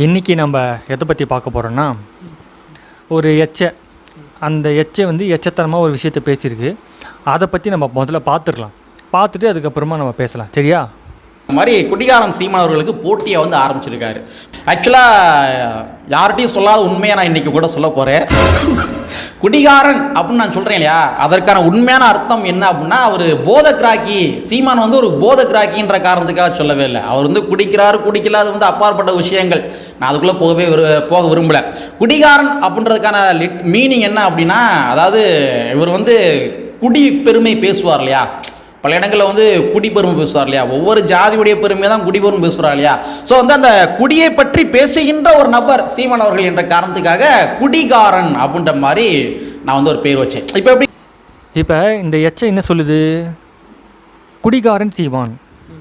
இன்றைக்கி நம்ம எதை பற்றி பார்க்க போகிறோன்னா, ஒரு அந்த எச்சை வந்து எச்சத்தனமாக ஒரு விஷயத்தை பேசியிருக்கு. அதை பற்றி நம்ம முதல்ல பார்த்துட்டு அதுக்கப்புறமா நம்ம பேசலாம். சரியா? இந்த மாதிரி குடிகாரன் சீமான் அவர்களுக்கு போட்டியை வந்து ஆரம்பிச்சிருக்காரு. ஆக்சுவலாக யார்கிட்டையும் சொல்லாத உண்மையை நான் இன்றைக்கி கூட சொல்ல போகிறேன். குடிகாரன் அப்படின்னு நான் சொல்கிறேன் இல்லையா, அதற்கான உண்மையான அர்த்தம் என்ன அப்படின்னா, அவர் போதகிராக்கி, சீமான் வந்து ஒரு போதகிராக்கின்ற காரணத்துக்காக சொல்லவே இல்லை. அவர் வந்து குடிக்கல, அது வந்து அப்பாற்பட்ட விஷயங்கள். நான் அதுக்குள்ளே போக விரும்பலை. குடிகாரன் அப்படின்றதுக்கான மீனிங் என்ன அப்படின்னா, அதாவது இவர் வந்து குடி பெருமை பேசுவார் இல்லையா, பல இடங்களில் வந்து குடிபெருமை பேசுவார் இல்லையா, ஒவ்வொரு ஜாதியுடைய பெருமையை தான் குடிபெருமை பேசுகிறார் இல்லையா. ஸோ வந்து அந்த குடியை பற்றி பேசுகின்ற ஒரு நபர் சீமான் அவர்கள் என்ற காரணத்துக்காக குடிகாரன் அப்படின்ற மாதிரி நான் வந்து ஒரு பேர் வச்சேன். இப்போ இந்த எச்சை என்ன சொல்லுது? குடிகாரன் சீமான்.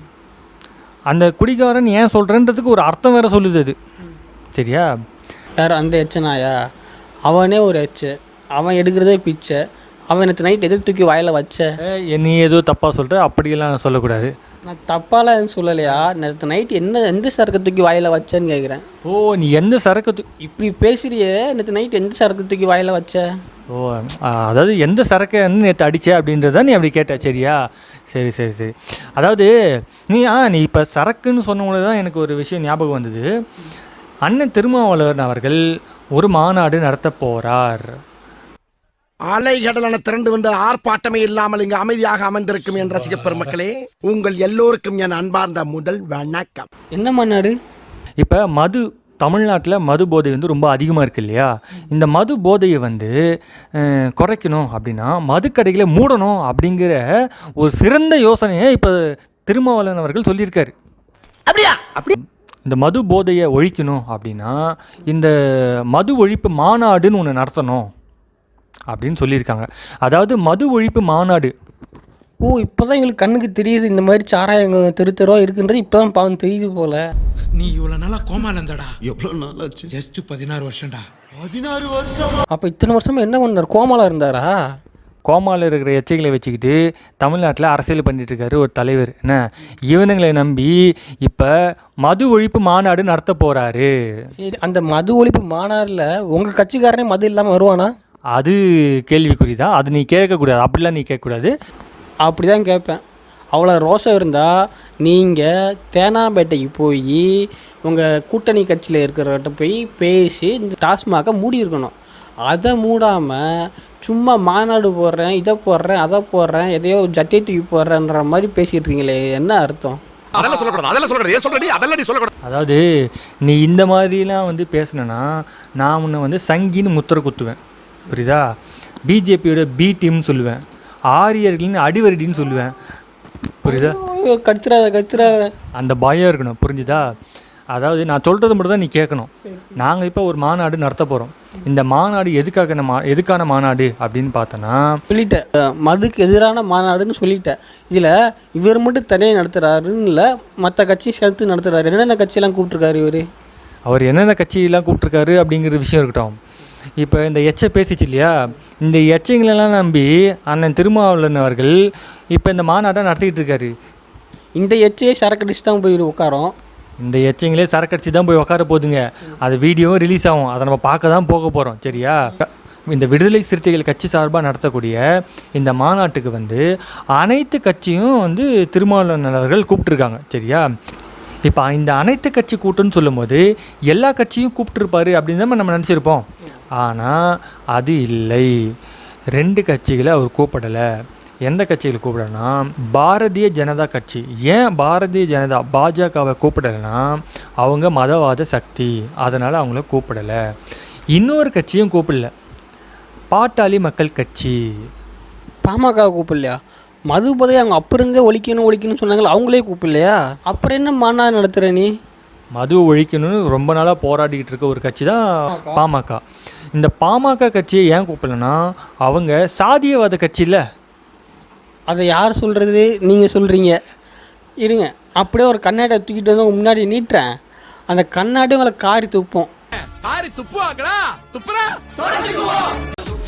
அந்த குடிகாரன் ஏன் சொல்கிறன்றதுக்கு ஒரு அர்த்தம் வேறு சொல்லுது அது. சரியா? யார் அந்த எச்சனாயா? அவனே ஒரு எச்சை, அவன் எடுக்கிறதே பிச்சை. அவன் நேற்று நைட் எது தூக்கி வாயில் வச்ச? நீ ஏதோ தப்பாக சொல்கிற, அப்படியெல்லாம் சொல்லக்கூடாது. நான் தப்பாலாம் எதுவும் சொல்லலையா? நேற்று நைட் எந்த சரக்கு தூக்கி வாயில் வச்சேன்னு கேட்குறேன். ஓ, நீ எந்த சரக்கு இப்படி பேசுறியே, நேற்று நைட் எந்த சரக்கு தூக்கி வாயில் வச்ச? ஓ, அதாவது எந்த சரக்கை வந்து நேற்று அடித்த அப்படின்றத நீ அப்படி கேட்ட. சரியா? சரி. அதாவது நீ இப்போ சரக்குன்னு சொன்னவங்கள தான் எனக்கு ஒரு விஷயம் ஞாபகம் வந்தது. அண்ணன் திருமாவளவன் அவர்கள் ஒரு மாநாடு நடத்த போகிறார். அலைகடலான திரண்டு வந்து ஆர்ப்பாட்டமே இல்லாமல் இங்கு அமைதியாக அமர்ந்திருக்கும் என் ரசிக பெருமக்களே, உங்கள் எல்லோருக்கும் என் அன்பார்ந்த முதல் வணக்கம். என்ன மாநாடு? இப்போ தமிழ்நாட்டில் மது போதை வந்து ரொம்ப அதிகமாக இருக்குது இல்லையா? இந்த மது போதையை வந்து குறைக்கணும் அப்படின்னா மதுக்கடைகளை மூடணும் அப்படிங்கிற ஒரு சிறந்த யோசனையை இப்போ திருமாவளவன் அவர்கள் சொல்லியிருக்காரு. இந்த மது போதையை ஒழிக்கணும் அப்படின்னா இந்த மது ஒழிப்பு மாநாடுன்னு ஒன்று நடத்தணும் அப்படின்னு சொல்லியிருக்காங்க. அதாவது மது ஒழிப்பு மாநாடு. ஓ, இப்போ தான் எங்களுக்கு கண்ணுக்கு தெரியுது இந்த மாதிரி சாராயம் தெருவா இருக்குன்றது. இப்போ தான் பாவம் தெரியுது போல. நீ இவ்வளோ நாளா கோமால இருந்தாடா. எவ்வளோ நாள் ஆச்சு? ஜஸ்ட் 16 வருஷம்டா. 16 வருஷம்? அப்போ இத்தனை வருஷமா என்ன பண்ணார்? கோமால இருந்தாரா? கோமாவில் இருக்கிற எச்சைகளை வச்சுக்கிட்டு தமிழ்நாட்டில் அரசியல் பண்ணிட்டு இருக்காரு ஒரு தலைவர். என்ன இவனுங்களை நம்பி இப்போ மது ஒழிப்பு மாநாடு நடத்த போகிறாரு. சரி, அந்த மது ஒழிப்பு மாநாடில் உங்கள் கட்சிக்காரனே மது இல்லாமல் வருவானா? அது கேள்விக்குறி தான். அது நீ கேட்கக்கூடாது. அப்படிலாம் நீ கேட்கக்கூடாது. அப்படி தான் கேட்பேன். அவ்வளோ ரோஷம் இருந்தால் நீங்கள் தேனாம்பேட்டைக்கு போய் உங்கள் கூட்டணி கட்சியில் இருக்கிறவர்கிட்ட போய் பேசி இந்த டாஸ்மாகை மூடி இருக்கணும். அதை மூடாமல் சும்மா மாநாடு போடுறேன், இதை போடுறேன், அதை போடுறேன், எதையோ ஜட்டியை தூக்கி போடுறேன்ற மாதிரி பேசிகிட்டு இருக்கீங்களே, என்ன அர்த்தம்? அதாவது நீ இந்த மாதிரிலாம் வந்து பேசுனா நான் உன்னை வந்து சங்கின்னு முத்திர குத்துவேன். புரியுதா? பிஜேபியோட பி டீம்னு சொல்லுவேன், ஆரியர்களின் அடிவரடின்னு சொல்லுவேன். புரியுதா? கத்துறாத அந்த பயம் இருக்கணும். புரிஞ்சுதா? அதாவது நான் சொல்கிறது மட்டும் தான் நீ கேட்கணும். நாங்கள் இப்போ ஒரு மாநாடு நடத்த போகிறோம். இந்த மாநாடு எதுக்கான மாநாடு அப்படின்னு பார்த்தோன்னா, சொல்லிட்டேன், மதுக்கு எதிரான மாநாடுன்னு சொல்லிட்டேன். இதில் இவர் மட்டும் தனியாக நடத்துகிறாருன்னு இல்லை, மற்ற கட்சி சேர்த்து நடத்துகிறாரு. என்னென்ன கட்சியெல்லாம் கூப்பிட்ருக்காரு அவர் என்னென்ன கட்சியெல்லாம் கூப்பிட்ருக்காரு அப்படிங்கிற விஷயம் இருக்கட்டும். இப்போ இந்த எச்சை பேசிச்சு இல்லையா, இந்த எச்சைங்களெல்லாம் நம்பி அண்ணன் திருமாவளவன் அவர்கள் இப்போ இந்த மாநாட்டை நடத்திக்கிட்டு இருக்காரு. இந்த எச்சையே சரக்கடிச்சு தான் போய் உட்காரோம். இந்த எச்சைங்களே சரக்கடிச்சு தான் போய் உட்கார போதுங்க. அது வீடியோவும் ரிலீஸ் ஆகும். அதை நம்ம பார்க்க தான் போக போகிறோம். சரியா? இந்த விடுதலை சிறுத்தைகள் கட்சி சார்பாக நடத்தக்கூடிய இந்த மாநாட்டுக்கு வந்து அனைத்து கட்சியும் வந்து திருமாவளவன் அவர்கள் கூப்பிட்டுருக்காங்க. சரியா? இப்போ இந்த அனைத்து கட்சி கூட்டம்னு சொல்லும்போது எல்லா கட்சியும் கூப்பிட்டுருப்பாரு அப்படின்னு தான் நம்ம நினச்சிருப்போம். ஆனால் அது இல்லை. 2 கட்சிகளை அவர் கூப்பிடலை. எந்த கட்சிகளை கூப்பிடனா, பாரதிய ஜனதா கட்சி. ஏன் பாரதிய ஜனதா பாஜகவை கூப்பிடலைன்னா அவங்க மதவாத சக்தி, அதனால் அவங்கள கூப்பிடலை. இன்னொரு கட்சியும் கூப்பிடல, பாட்டாளி மக்கள் கட்சி. பாமக கூப்பிடலையா? மது போதை அவங்க அப்போ இருந்தே ஒழிக்கணும்னு சொன்னாங்களே, அவங்களே கூப்பிடலையா? அப்புறம் என்ன மாநாடு நடத்துகிற நீ? மது ஒழிக்கணும்னு ரொம்ப நாளாக போராடிக்கிட்டு இருக்க ஒரு கட்சி தான் பாமக. இந்த பாமக கட்சியை ஏன் கூப்பிடலன்னா அவங்க சாதியவாத கட்சி இல்லை. அதை யார் சொல்கிறது? நீங்கள் சொல்கிறீங்க. இருங்க, அப்படியே ஒரு கண்ணாடியை தூக்கிட்டு வந்து முன்னாடி நீட்டுறேன். அந்த கண்ணாடி உங்களை காரி துப்போம்.